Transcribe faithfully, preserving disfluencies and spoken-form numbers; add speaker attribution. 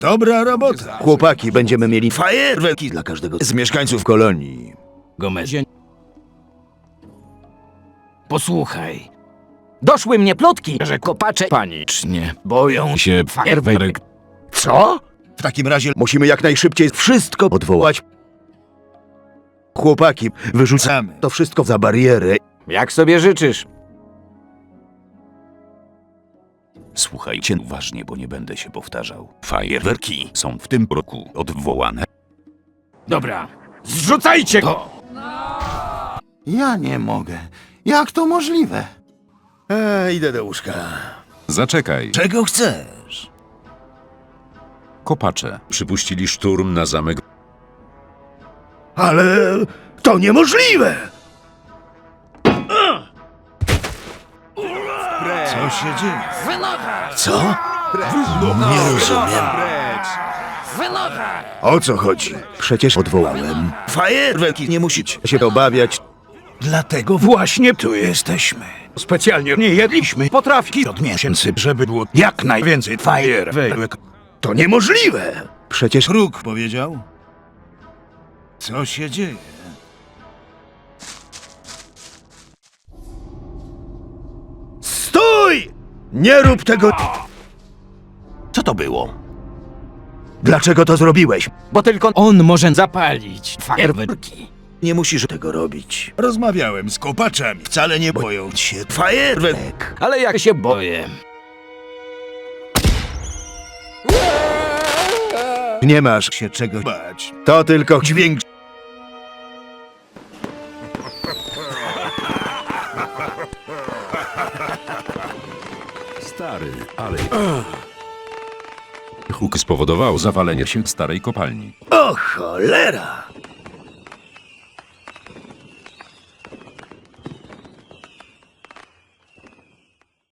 Speaker 1: Dobra robota. Chłopaki, będziemy mieli fajerwerki dla każdego z mieszkańców kolonii.
Speaker 2: Gomezie. Posłuchaj. Doszły mnie plotki, że kopacze panicznie boją się fajerwerek.
Speaker 1: Co? W takim razie musimy jak najszybciej wszystko odwołać. Chłopaki, wyrzucamy to wszystko za barierę.
Speaker 2: Jak sobie życzysz.
Speaker 3: Słuchajcie uważnie, bo nie będę się powtarzał. Fajerwerki są w tym roku odwołane.
Speaker 2: Dobra, zrzucajcie to!
Speaker 4: Ja nie mogę. Jak to możliwe?
Speaker 1: E, idę do łóżka.
Speaker 3: Zaczekaj.
Speaker 1: Czego chcesz?
Speaker 3: Kopacze przypuścili szturm na zamek.
Speaker 1: Ale to niemożliwe! Co się dzieje? Co? Nie rozumiem. O co chodzi? Przecież odwołałem. Fajerwerki, nie musicie się obawiać.
Speaker 5: Dlatego właśnie tu jesteśmy. Specjalnie nie jedliśmy potrawki od miesięcy, żeby było jak najwięcej fajerwerek.
Speaker 1: To niemożliwe! Przecież Róg powiedział. Co się dzieje? Stój! Nie rób tego!
Speaker 4: Co to było?
Speaker 1: Dlaczego to zrobiłeś?
Speaker 2: Bo tylko on może zapalić fajerwerki.
Speaker 1: Nie musisz tego robić. Rozmawiałem z kopaczami. Wcale nie boją się fajerwerek.
Speaker 2: Ale jak się boję.
Speaker 1: Nie masz się czego bać. To tylko dźwięk.
Speaker 3: Stary, ale... Huk spowodował zawalenie się starej kopalni.
Speaker 1: O cholera!